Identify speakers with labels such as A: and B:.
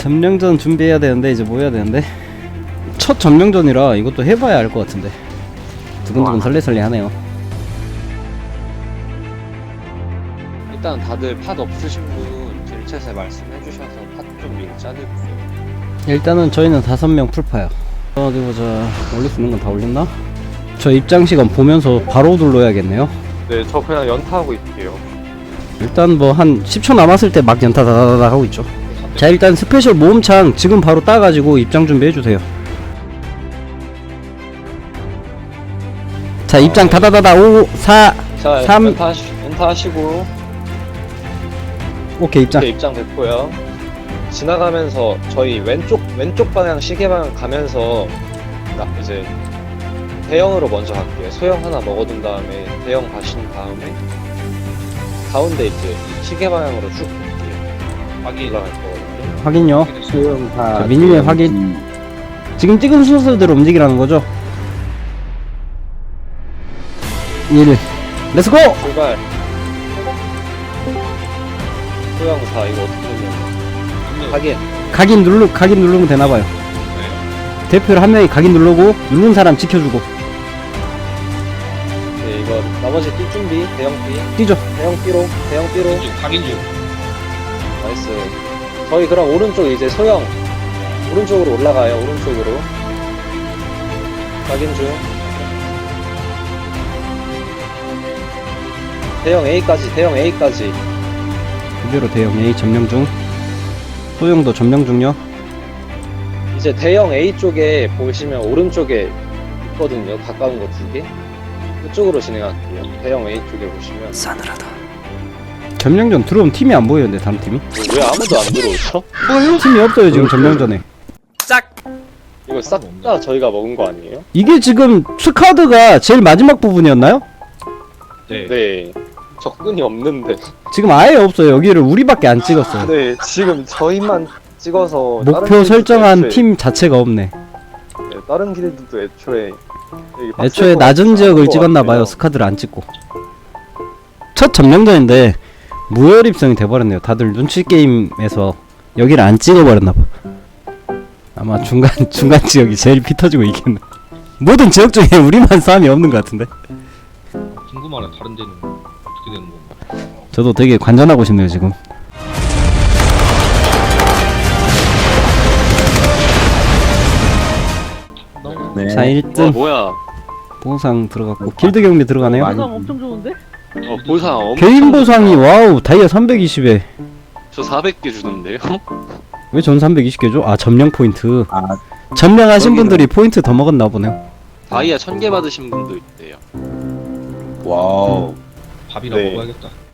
A: 점령전 준비해야 되는데 이제 뭐 해야 되는데 첫 점령전이라 이것도 해봐야 알 것 같은데 두근두근 설레설레 하네요.
B: 일단 다들 팟 없으신 분 딜챗에 말씀해 주셔서 팟 좀 미리 짜드릴게요.
A: 일단은 저희는 5명 풀파야. 어디 보자. 올릴 수 있는 건 다 올렸나? 저 입장 시간 보면서 바로 눌러야겠네요.
B: 네, 저 그냥 연타하고 있을게요.
A: 일단 뭐 한 10초 남았을 때 막 연타 다다다다 하고 있죠. 자, 일단 스페셜 모음창 지금 바로 따가지고 입장 준비해주세요. 자, 입장 다다다다 5 4
B: 자,
A: 3
B: 연타 하시고
A: 오케이 입장.
B: 이렇게 입장 됐고요. 지나가면서 저희 왼쪽 방향 시계 방향 가면서 이제 대형으로 먼저 갈게요. 소형 하나 먹어둔 다음에 대형 가신 다음에 가운데 이제 시계 방향으로 쭉 갈게요. 확인 올라갈 거거든요.
A: 확인요.
C: 수영사
A: 자, 미니맵 확인. 지금 찍은 순서대로 움직이라는 거죠. 1 렛츠고!
B: 출발. 소형사 이거 어떻게 되냐? 확인.
A: 각인 누르면 되나봐요. 대표를 한 명이 각인 누르고 누른 사람 지켜주고
B: 네, 이거 나머지 뛸 준비. 대형 B.
A: 뛰죠.
B: 대형 B로.
C: 확인 중.
B: 나이스. 저희 그럼 오른쪽 이제 소형 오른쪽으로 올라가요. 오른쪽으로. 확인 중. 대형 A까지.
A: 그대로 대형 A 점령 중. 소형도 점령 중요.
B: 이제 대형 A 쪽에 보시면 오른쪽에 있거든요. 가까운 거 2개. 그쪽으로 진행할게요. 대형 A 쪽에 보시면.
A: 싸늘하다. 점령전 들어오면 팀이 안 보이는데 다른 팀이?
B: 왜 아무도 안 들어오죠?
A: 팀이 없어요 지금 점령전에.
B: 이거 싹 다 저희가 먹은 거 아니에요?
A: 이게 지금 스카드가 제일 마지막 부분이었나요?
B: 네. 접근이 없는데.
A: 지금 아예 없어요. 여기를 우리밖에 안 찍었어요.
B: 네, 지금 저희만 찍어서 다른
A: 목표
B: 길드도
A: 설정한
B: 애초에-
A: 팀 자체가 없네.
B: 네, 다른 길드도 애초에 여기 빡셀
A: 애초에
B: 것
A: 낮은
B: 같아서
A: 지역을
B: 한것
A: 찍었나봐요.
B: 같아요.
A: 스카드를 안 찍고. 첫 점령전인데 무혈입성이 돼버렸네요. 다들 눈치 게임에서 여기를 안 찍어버렸나봐. 아마 중간 지역이 제일 피 터지고 있겠네. 모든 지역 중에 우리만 싸움이 없는 것 같은데.
C: 궁금하네. 다른 데는 어떻게 되는 건가?
A: 저도 되게 관전하고 싶네요 지금.
C: 네.
A: 자, 1등
B: 뭐야?
A: 보상 들어갔고 길드 경비 들어가네요.
C: 많이-
D: 엄청 좋은데?
B: 보상 엄청
A: 개인 보상이
B: 좋다.
A: 와우 다이아 320에
B: 저 400개 주던데요?
A: 왜 전 320개 줘? 아, 점령 포인트.
C: 아,
A: 점령하신
C: 여기는-
A: 분들이 포인트 더 먹었나 보네요.
B: 다이아 1000개 받으신 분도 있대요.
C: 와우. 밥이나
B: 네.
C: 먹어야겠다.